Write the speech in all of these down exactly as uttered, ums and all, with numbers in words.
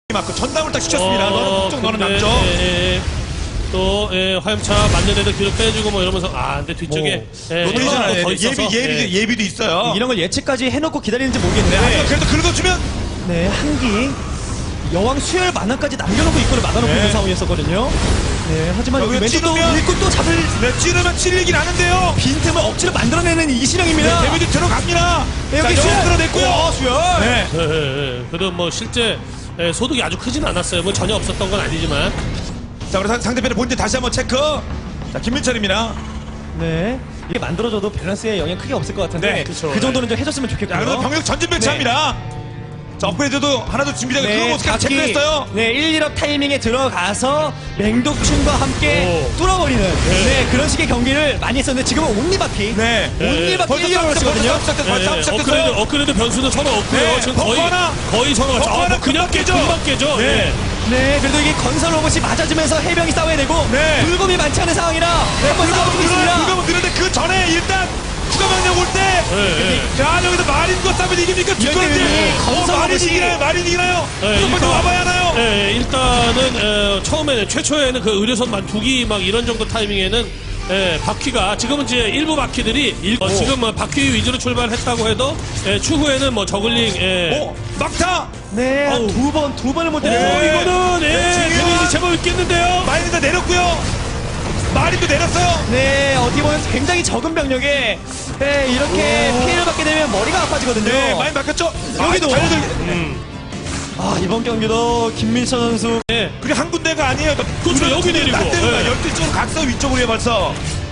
맞고 전담을 딱 시켰습니다. 어, 너는 북쪽 너는 근데, 남쪽. 예, 예. 또 예, 화염차 맞는 애들 뒤로 빼주고 뭐 이러면서 아 근데 뒤쪽에 예, 로테이션 헬마가 안에 더 예비 있어서, 예비도 예. 예비도 있어요. 이런 걸 예측까지 해놓고 기다리는지 네, 모르겠는데 하지만 그래도 긁어주면 네, 한기 여왕 수혈 만화까지 남겨놓고 입구를 막아놓고 네. 있는 상황이었었거든요. 네, 하지만 여기 여기가 왼쪽도 찌르면- 일꾼 또 잡을 네, 찌르면 찔리긴 하는데요. 빈틈을 억지로 만들어내는 이신영입니다. 네, 데미지 들어갑니다. 네, 여기 자, 수혈 영웅 끌어냈고요. 오, 수혈. 네. 예, 예, 예. 그래도 뭐 실제 예, 소득이 아주 크진 않았어요. 뭐 전혀 없었던 건 아니지만 자, 우리 상- 상대편의 본진 다시 한번 체크. 자, 김민철입니다. 네, 이게 만들어져도 밸런스에 영향 크게 없을 것 같은데 네, 그쵸. 그 정도는 좀 해줬으면 자, 그래서 좋겠고요. 병력 전진 배치합니다. 자, 업그레이드도 하나도 준비되고 그 모습까지 각기, 체크했어요. 네, 일, 일 업 타이밍에 들어가서 맹독충과 함께 오. 뚫어버리는 네. 그런 식의 경기를 많이 했었는데 지금은 온리바퀴 네. 온리바퀴 벌써 일 일 업을 시작됐어요. 쓰거든요. 벌써 시작됐어요. 예, 벌써 예. 시작됐어요. 업그레이드, 업그레이드 변수는 서로 없고요. 네, 지금 벙커 거의 하나. 거의 서로 벙커 아, 하나 뭐 그냥 금방 깨죠. 금방 깨죠. 네. 예. 네, 그래도 이게 건설 로봇이 맞아주면서 해병이 싸워야 되고 네. 불곰이 많지 않은 상황이라 한번 싸워주고 있습니다. 불금은 느는데 그 전에 일단 추가 병력 올 때. 예, 예. 자, 여기서 마린과 싸면 이깁니까? 이럴 죽었는데. 때는 어, 건설 마린 로봇이- 이기나요? 마린 이기나요? 네, 무조건 일단- 와봐야 하나요? 예, 일단은 어, 처음에는 최초에는 그 의료선만 두기 막 이런 정도 타이밍에는 예, 바퀴가 지금은 이제 일부 바퀴들이 일, 어, 지금 뭐 바퀴 위주로 출발했다고 해도 예, 추후에는 뭐 저글링 예. 오, 막타! 네, 어우. 두 번, 두 번을 못 오, 때려서 네. 이거는 예, 네, 중요한- 데미지 제법 있겠는데요. 마린이 다 내렸고요. 마린도 내렸어요. 네, 어떻게 보면 굉장히 적은 병력에 네, 이렇게 피해를 받게 되면 머리가 아파지거든요. 네, 마린 바뀌었죠? 여기도. 아, 달려들- 음. 아, 이번 경기도 김민철 선수 예. 그게 한 군데가 아니에요. 그렇죠, 여기 내리고. 예. 열두 쪽으로 각서 위쪽으로 해 벌써.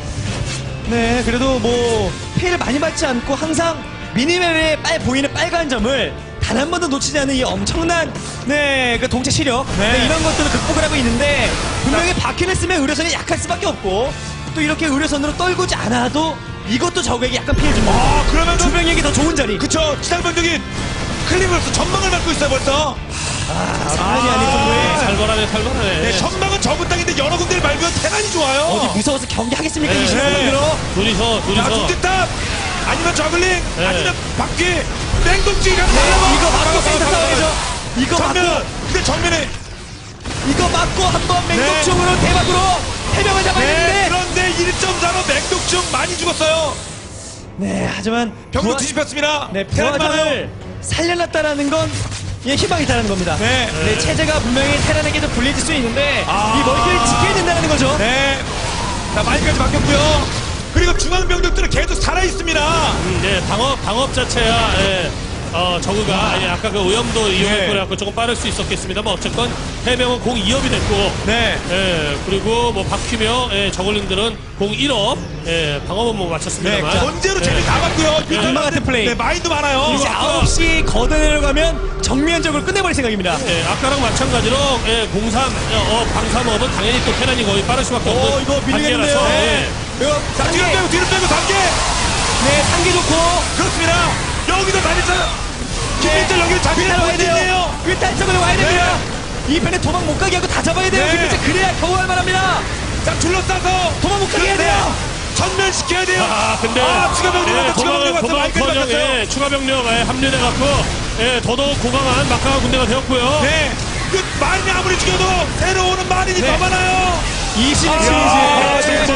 네, 그래도 뭐 피해를 많이 받지 않고 항상 미니맵에 빨 보이는 빨간 점을 단 한 번도 놓치지 않는 이 엄청난 네, 그 동체 시력 네. 네, 이런 것들을 극복을 하고 있는데 분명히 바퀴를 쓰면 의료선이 약할 수밖에 없고 또 이렇게 의료선으로 떨구지 않아도 이것도 적에게 약간 피해 줍니다. 아, 그러면은 주병에게 더 좋은 자리. 그쵸. 지상병력이 클리브로서 전망을 맡고 있어요 벌써. 아, 장난이 아닐 정도의 살벌하네, 살벌하네. 네, 전망은 적은 땅인데 여러 군데를 밟으면 테란이 좋아요. 어디 무서워서 경기하겠습니까? 네. 이 시간 네. 들어. 둘이서, 자, 둘이서. 중지탑 아니면 저글링 네. 아니면 바퀴 냉동지가 네, 이거 맞고 센터 싸워야죠. 이거 맞고 정면 근데 정면에 이거 맞고 한번 맹독충으로 대박으로 해병을 잡아야 네, 되는데 그런데 일 점 사로 맹독충 많이 죽었어요. 네, 하지만 병력 부하- 뒤집혔습니다. 네, 테란이 많아요. 부하장을 살려놨다라는 건 예, 희망이 있다는 겁니다. 네. 네, 체제가 분명히 테란에게도 불리해질 수 있는데 아. 이 멀티를 지켜야 된다는 거죠. 네. 자, 마이까지 바뀌었고요. 그리고 중앙 병력들은 계속 살아 있습니다. 음, 네, 방업, 방업 자체야, 예, 어, 저그가, 예, 아까 그 오염도 이용했고, 그래갖고 조금 빠를 수 있었겠습니다. 뭐, 어쨌건, 해병은 공 이 업이 됐고, 네. 예, 그리고 뭐, 바퀴며, 예, 저글링들은 공 일 업, 예, 방업은 뭐 네. 마쳤습니다만. 전제로 예. 재미 다 봤고요. 얼마 같은 플레이. 네, 마인도 많아요. 이제 아까- 아홉 시 걷어내려고 하면 정면적으로 끝내버릴 생각입니다. 예, 아까랑 마찬가지로, 예, 공삼, 어, 방삼업은 당연히 또 테란이 거의 빠를 수밖에 없는 어, 이거 밀리겠는데요. 단계라서, 네. 예. 이거 자, 상계, 뒤로 빼고, 뒤로 빼고, 단계. 네, 상계 좋고. 그렇습니다. 여기도 다녔어요. 김민철 여기를 잡히는 일단 와야 돼요. 포인트인데요. 일단 쪽으로 와야 됩니다. 이 편에 도망 못 가게 하고 다 잡아야 돼요. 네. 김민철 그래야 겨우 할만합니다. 자, 둘러싸서 도망 못 가게 해야 돼요. 전면시켜야 돼요. 아, 근데. 아, 추가 병력 예, 왔다, 추가 병력 왔어. 도망, 마이까지 도망, 바뀌었어요. 예, 추가 병력, 예, 합류돼갖고, 예, 더더욱 고강한 막강한 군대가 되었고요. 네. 그 마린이 아무리 죽여도 새로 오는 마린이 네. 더 많아요. 이십일 아, 시리즈. 진짜.